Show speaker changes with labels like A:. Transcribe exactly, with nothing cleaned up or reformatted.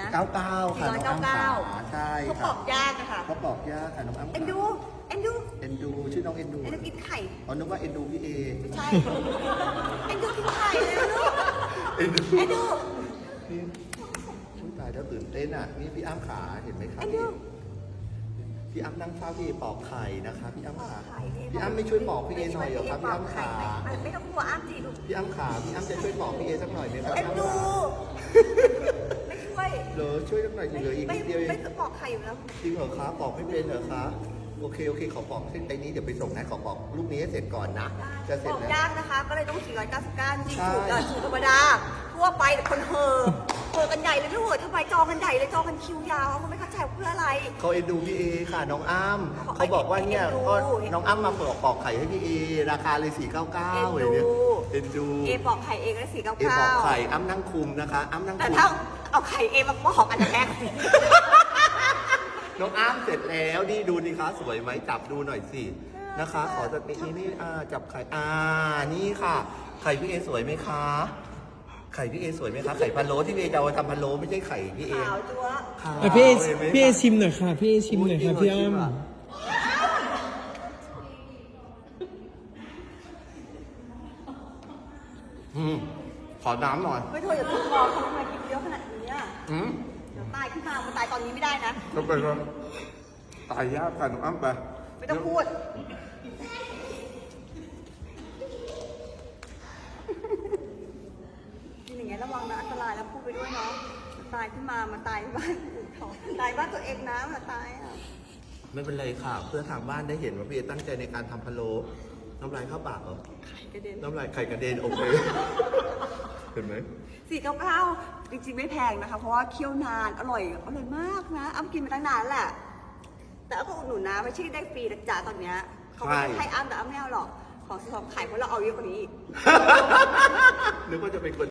A: นะ
B: เก้าเก้าค่ะ
A: สี่ร้อยเก้าเก้า
B: ใช่
A: เขา
B: ค่ะ
A: ปอกยากอะค่ะ
B: เขาปอกยากค่ะน้องอ้ำ
A: เอ็นดูเอ็นดู
B: เอ็นดูชื่อน้องเอ็นดู
A: เอ็นดูกินไข่
B: อ๋อนึกว่าเอ็นดูพี่เอ
A: ไม่ใช่เอ็นดูกินไข่เลยนะลูก
B: เอ็นดู
A: เอ็นดู
B: นี่อุ๊ยตายแล้วตื่นเต้นอ่ะนี่พี่อ้ำขาเห็นไหมคะ
A: เอ็นดู
B: พี่อ้ำนั่งเฝ้าพี่เอปอกไข่นะคะพี่อ้ำขา
A: ไข่
B: พี่อ้ำไม่ช่วยปอกพี่เอหน่อยเหรอครับพี่อ้ำขา
A: ไม่ไม่ต้องกลัวอ้ำจีลูก
B: พี่อ้ำขาพี่อ้ำจะช่วยปอกพี่เอสักหน่อยไหมครับ
A: เอ็น
B: พี่อ้ำ
A: ดู
B: ขา
A: ไม่ช่วย
B: เหรอช่วยสักหน่อยเหลืออีก
A: ไม่
B: นิดเดียวเอ
A: ไม่
B: ง
A: ปอกไข่อยู่แล้ว
B: จริงเหรอคะปอกไม่เป็นเหรอคะโอเคโอเคขอปอกเส้นไอ้นี้เดี๋ยวไปส่งนะขอปอกลูกนี้ให้เสร็จก่อนนะจะเสร็
A: ป
B: จ
A: อก
B: แล้ว
A: ยากนะคะ ก็เลยต้องสี่ร้อยเก้าสิบเก้าจริง
B: ใช่
A: สูตรเอ่อสูตรธรรมดาทั่วไปแต่คนเฮอเฮอกันใหญ่เลยลูกทำไมจองกันใหญ่เลยจองกันคิวยาวมันไม่เข้าใจเพื่ออะไร
B: เขาเอ็นดูพี่เอค่ะน้องอ้ำ
A: เขา
B: เขาบอกว่าเนี่ย
A: เอ็นดู
B: ก็น้องอ้ำมาปอกปอกไข่ให้พี่เอราคาเลยสี่เก้าเก้า
A: เอ็นดู
B: เลยเนี่ยเอ็นดู
A: เอปอกไข่เองก็สี่เก้า
B: เอป
A: เก้า
B: อกไข่อ้ำนั่งคุมนะคะอ้ำนั่ง
A: แต่
B: คุม
A: ถ้าเอาไข่เอมาปอกอันจะแพง
B: น้องอ้ำเสร็จแล้วนี่ดูดิคะสวยไหมจับดูหน่อยสินะคะ ขอจะนี่นี่นี่อ่าจับไข่อ่านี่ค่ะ ไข่พี่เอสวยไหมคะไข่พี่เอสวยไหมคะไข่พะโล้ที่พี่เอจะเอามาทำพะโล้ไม่ใช่ไข่พี่เอ
A: ขาวจั๊ว
B: ขาว
C: อ่ะพี่เอ
B: ห็นไหม
C: พี่เอ
B: คะ
C: ชิมหน่อยค่ะ พี่เอชิมหน่อยค่ะพี่อ้ำ
B: อืมขอน้ำหน่อย
A: ไม่โทษอย่าพูดมองทำไมกินเยอะขนาดนี้อ่ะ
B: อืม
A: เดี๋ยวตายขึ้นมามันตายตอนนี้ไม่ได้นะ
B: ก็ไปก็ตายยากกันน้องอ้ำไป
A: ไม่ต้องพูดกินอย่างเงี้ยระวังนะอันตรายแล้วพูดไปด้วยเนาะตายขึ้นมามาตายบ้านอื่นเขาตายบ้านตัวเองนะมาตายอ่ะ
B: ไม่เป็นไรค่ะ เพื่อทางบ้านได้เห็นว่าพี่เอตั้งใจในการทำพะโล้น้ำลายเข้าปากเหรอ
A: ไข่กระเด็น
B: น้ำลายไข่กระเด็นโอเค เห็นไหม
A: สี่เก้าเก้าจริงๆไม่แพงนะคะ เพราะว่าเคี่ยวนานอร่อยอร่อยมากนะอ้ำกินมาตั้งนานแหละ แต่อ้ำก็อุดหนุนนะไม่ใช่ได้ฟรีนะจ๊ะตอนเนี้ยเขาไม่ได้ให้อ้ำแต่อ้ำไม่เอาหรอกของซื้อของขายเพราะเราเอาเยอะกว่านี้อีก
B: นึกว่าจะเป็นคน